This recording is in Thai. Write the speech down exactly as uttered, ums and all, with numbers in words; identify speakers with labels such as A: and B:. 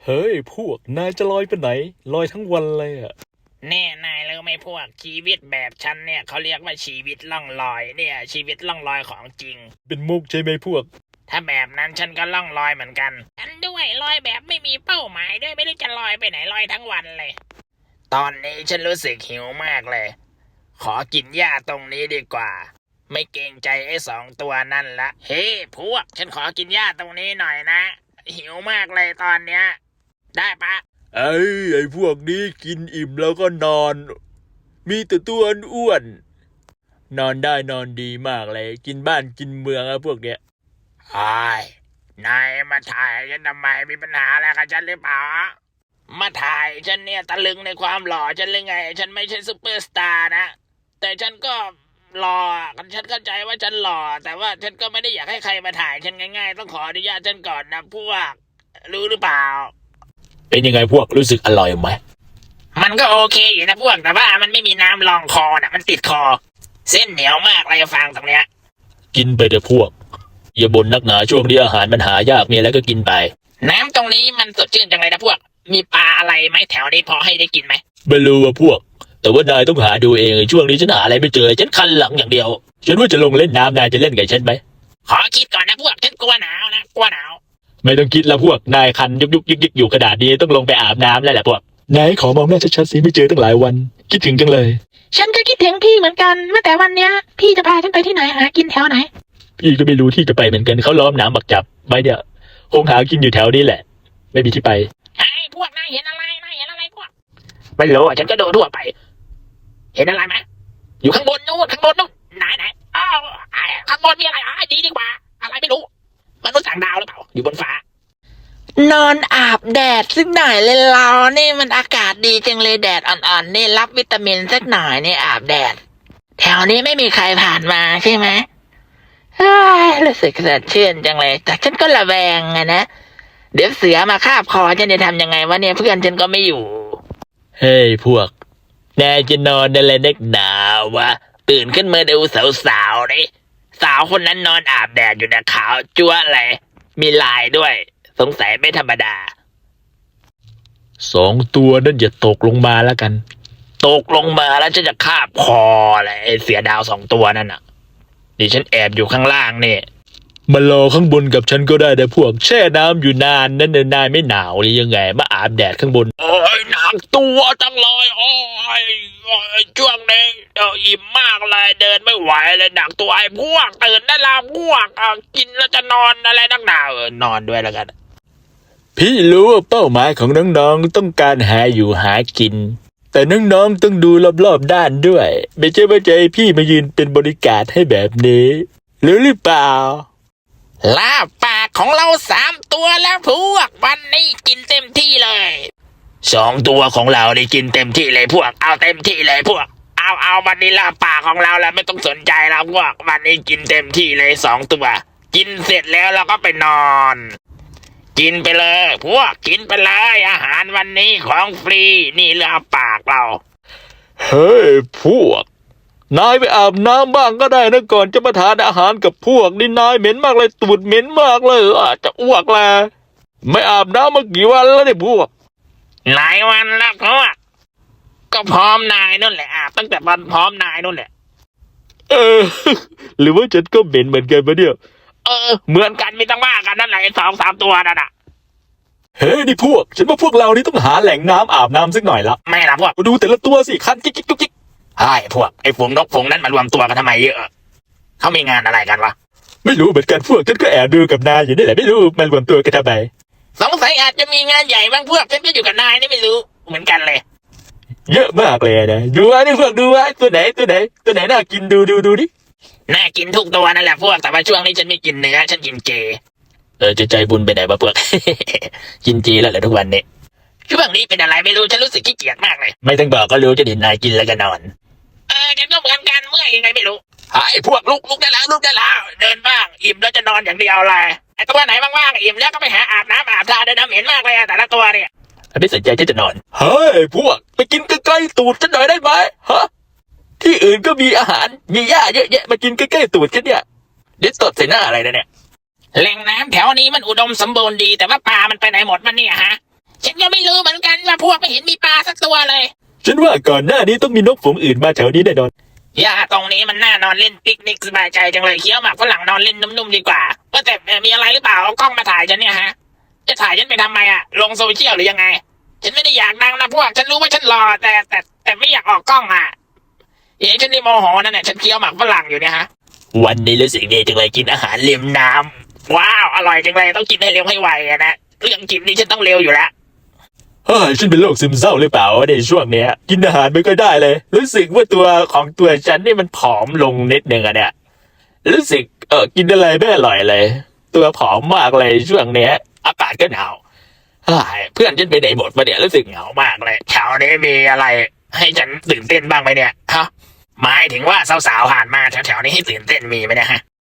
A: เฮ้ยพวกนายจะลอยไปไหนลอยทั้งวันเลยอ่ะ
B: แน่นายรู้ไหมพวกชีวิตแบบฉันเนี่ยเขาเรียกว่าชีวิตล่องลอยเนี่ยชีวิตล่องลอยของจริง
A: เป็นมุกใช่ไหมพวก
B: ถ้าแบบนั้นฉันก็ล่องลอยเหมือนกันฉันด้วยลอยแบบไม่มีเป้าหมายด้วยไม่รู้จะลอยไปไหนลอยทั้งวันเลยตอนนี้ฉันรู้สึกหิวมากเลยขอกินหญ้าตรงนี้ดีกว่าไม่เกรงใจไอ้สองตัวนั่นละเฮ้ hey, พวกฉันขอกินหญ้าตรงนี้หน่อยนะหิวมากเลยตอนเนี้ยได้ปะ
A: ไอ้ไอ้พวกนี้กินอิ่มแล้วก็นอนมีแต่ตัวอ้วนนอนได้นอนดีมากเลยกินบ้านกินเมืองอะพวกเนี้ย
B: ไอ้นายมาถ่ายฉันทำไมมีปัญหาอะไรกับฉันหรือเปล่ามาถ่ายฉันเนี่ยตะลึงในความหล่อฉันหรือไงฉันไม่ใช่ซุปเปอร์สตาร์นะแต่ฉันก็หล่อฉันเข้าใจว่าฉันหล่อแต่ว่าฉันก็ไม่ได้อยากให้ใครมาถ่ายฉันง่ายๆต้องขออนุญาตฉันก่อนนะพวกรู้หรือเปล่า
A: เป็นยังไงพวกรู้สึกอร่อยไหม
B: มันก็โอเคอยู่นะพวกแต่ว่ามันไม่มีน้ำรองคอน่ะมันติดคอเส้นเหนียวมากเลยฟังตรงเนี้ย
A: กินไปเถอะพวกอย่าบ่นนักหนาช่วงนี้อาหารมันหายากมีอะไรก็กินไป
B: น้ำตรงนี้มันสดชื่นจังเลยนะพวกมีปลาอะไรไหมแถวนี้พอให้ได้กินไหม
A: ไม่รู้ว่าพวกแต่ว่านายต้องหาดูเองช่วงนี้ฉันหาอะไรไม่เจอฉันคันหลังอย่างเดียวฉันว่าจะลงเล่นน้ำนายจะเล่นกับฉันไหม
B: ขอคิดก่อนนะพวกฉันกลัวหนาวนะกลัวหนาว
A: ไม่ต้องคิดละพวกนายคันยุกยุกยิกยิกอยู่ขนาดนี้ต้องลงไปอาบน้ำแล้วแหละพวกนายขอมองหน้าชัดๆสิไม่เจอตั้งหลายวันคิดถึงจังเลย
B: ฉันก็คิดถึงพี่เหมือนกันเมื่อแต่วันเนี้ยพี่จะพาฉันไปที่ไหนหากินแถวไหน
A: พี่ก็ไม่รู้ที่จะไปเหมือนกันเขาล้อมน้ำบักจับไว้เนี่ยคงหากินอยู่แถวนี้แหละไม่มีที่ไป
B: ไอ้พวกนายเห็นอะไรนายเห็นอะไรพวกไม่รู้อ่ะฉันก็ดูทั่วไปเห็นอะไรไหมอยู่ข้างบนนู้นข้างบนนู้นไหนไหนอ้าวข้างบนมีอะไรอ่ะดีดีกว่าอะไรไม่รู้มนุษย์ต่างดาวหรือเปล่าอยู่บนฟ้านอนอาบแดดสักหน่อยเลยเรานี่มันอากาศดีจังเลยแดดอ่อนๆนี่รับวิตามินสักหน่อยนี่อาบแดดแถวนี้ไม่มีใครผ่านมาใช่ไหมเฮ้ยรู้สึกสดชื่นจังเลยแต่ฉันก็ระแวงไงนะเดี๋ยวเสือมาคาบคอฉันจะทำยังไงวะเนี่ยเพื่อนฉันก็ไม่อยู่
A: เฮ้ยพวกนายจะนอนอะไรนักหนาวะ
B: ตื่นขึ้นมาดูสาวๆนี่สาวคนนั้นนอนอาบแดดอยู่นะขาวจั๊วเลยมีลายด้วยสงสัยไม่ธรรมดา
A: สองตัวนั่นอย่าตกลงมาแล้วกัน
B: ตกลงมาแล้วจะจะคาบคอเลยไอ้เสือดาวสองตัวนั่นน่ะดิฉันแอบอยู่ข้างล่างนี่
A: มารอข้างบนกับฉันก็ได้แต่พวกแช่น้ำอยู่นานนั่นเนนายไม่หนาวหรือยังไงมาอาบแดดข้างบน
B: โอ้ยหนักตัวจังเลยโอ้ยช่วงนี้เอออิ่มมากเลยเดินไม่ไหวเลยหนักตัวไอ้พวกตื่นได้แล้วพวกกินแล้วจะนอนอะไรนักหนาเออนอนด้วยแล้วกัน
A: พี่รู้ว่าเป้าหมายของน้องๆต้องการหาอยู่หากินแต่น้องๆต้องดูรอบๆด้านด้วยไม่ใช่ว่าจะให้พี่มายืนเป็นบริการให้แบบนี้รู้หรือเปล่า
B: ลาบปากของเราสามตัวแล้วพวกวันนี้กินเต็มที่เลยสองตัวของเราได้กินเต็มที่เลยพวกเอาเต็มที่เลยพวกเอาเอาวันนี้ลาบปากของเราแล้วไม่ต้องสนใจแล้วพวกวันนี้กินเต็มที่เลยสองตัวกินเสร็จแล้วเราก็ไปนอนกินไปเลยพวกกินไปเลยอาหารวันนี้ของฟรีนี่ลาบปากเรา
A: เฮ้ยพวกนายไปอาบน้ำบ้างก็ได้นะก่อนจะมาทานอาหารกับพวกนี่นายเหม็นมากเลยตูดเหม็นมากเลยอาจจะอ้วกแลไม่อาบน้ำมากี่วันแล้วเนี่ยพวก
B: หลายวันแล้วพวกก็พร้อมนายนู่นแหละอาบตั้งแต่วันพร้อมนายนู่นแหละ
A: เออหรือว่าฉันก็เหม็นเหมือนกันปะเนี่ย
B: เออเหมือนกันไม่ต้องว่ากันนั่นแหละสองสามตัวนั่นน่ะ
A: เฮ้ยนี่พวกฉันว่าพวกเรานี่ต้องหาแหล่งน้ำอาบน้ำสักหน่อยละ
B: ไม่ละพวก
A: ดูแต่ละตัวสิคันกิ๊กกิ๊กกิ๊ก
B: ไอ้พวกไอ้ฝูงนกฝูงนั้นมารวมตัวกันทำไมเยอะเขามีงานอะไรกันวะ
A: ไม่รู้เหมือนกันพวกฉันก็แอบดูกับนายอยู่นี่แหละไม่รู้มารวมตัวกันทำไม
B: สงสัยอาจจะมีงานใหญ่บางพวกฉันก็อยู่กับนายนี่ไม่รู้เหมือนกันเลย
A: เยอะมากเลยนะดูไอ้นี่พวกดูไอ้ตัวไหนตัวไหนตัวไหนน่ากินดูดูดูดิ
B: น่ากินทุกตัวนั่นแหละพวกแต่ว่าช่วงนี้ฉันไม่กินเนื้อฉันกินเจ
A: เออจะใจบุญไปไหนวะพวก กินเจแล้วเหรอทุกวันนี้
B: ช่วงนี้เป็นอะไรไม่รู้ฉันรู้สึกขี้เกียจมากเลย
A: ไม่ต้องบอกก็รู้จะเห็นนายกินแล้วก็นอน
B: เออฉันก็เหมือนกันเมื่อยยังไงไม่รู้ไอ้พวกลุกลุกได้แล้วลุกได้แล้วเดินบ้างอิ่มแล้วจะนอนอย่างเดียวเลยไอ้ตัวไหนว่างๆอิ่มแล้วก็ไปหาอาบน้ำอาบท่าเดินน้ำเหม็นมากเลยแต่ละตัวเนี่ย
A: ไม่สนใจที่จะนอนเฮ้ยพวกไปกินใกล้ๆตูดฉันหน่อยได้ไหมฮะที่อื่นก็มีอาหารมีหญ้าเยอะแยะมากินใกล้ๆตูดฉันเนี่ยเดี๋ยวตดใส่หน้าอะไรนะเนี่ย
B: แหล่งน้ำแถวนี้มันอุดมสมบูรณ์ดีแต่ว่าปลามันไปไหนหมดมันเนี่ยฮะฉันก็ไม่รู้เหมือนกันว่าพวกไม่เห็นมีปลาสักตัวเลย
A: ฉันว่าก่อนหน้านี้ต้องมีนกฝูงอื่นมาแถวนี้แน่นอน
B: หญ้าตรงนี้มันน่านอนเล่นปิกนิกสบายใจจังเลยเคี้ยวหมากฝรั่งนอนเล่นนุ่มๆดีกว่าว่าแต่มีอะไรหรือเปล่าเอากล้องมาถ่ายฉันเนี่ยฮะจะถ่ายฉันไปทำไมอะลงโซเชียลหรือยังไงฉันไม่ได้อยากดังนะพวกฉันรู้ว่าฉันรอแต่แต่แต่ไม่อยากออกกล้องอะเอ๋ฉันนี่โมโหนั่นแหละฉันเคี้ยวหมากฝรั่งอยู่เนี่ยฮะวันนี้รู้สึกดีจังเลยกินอาหารเลียมน้ำว้าวอร่อยจังเลยต้องกินให้เร็วให้ไวอะนะเรื่องกินนี่ฉันต้องเร็วอยู่แล้ว
A: เฮ้ยฉันเป็นโรคซึมเศร้าหรือเปล่าในช่วงเนี้ยกินอาหารไม่ค่อยได้เลย รู้สึกว่าตัวของตัวฉันนี่มันผอมลงนิดนึงอะเนี่ยรู้สึกเออกินอะไรไม่อร่อยเลย ตัวผอมมากเลยช่วงเนี้ย อากาศก็หนาวเฮ้ยเพื่อนฉันไปไหนหมดมาเนี่ยรู้สึกเหงามากเลยแถวนี้มีอะไร ให้ฉันตื่นเต้นบ้างไหมเนี่ยฮะหมายถึงว่าสาวๆผ่านมาแถวๆนี้ให้ตื่นเต้นมีไหมเนี่ยฮะ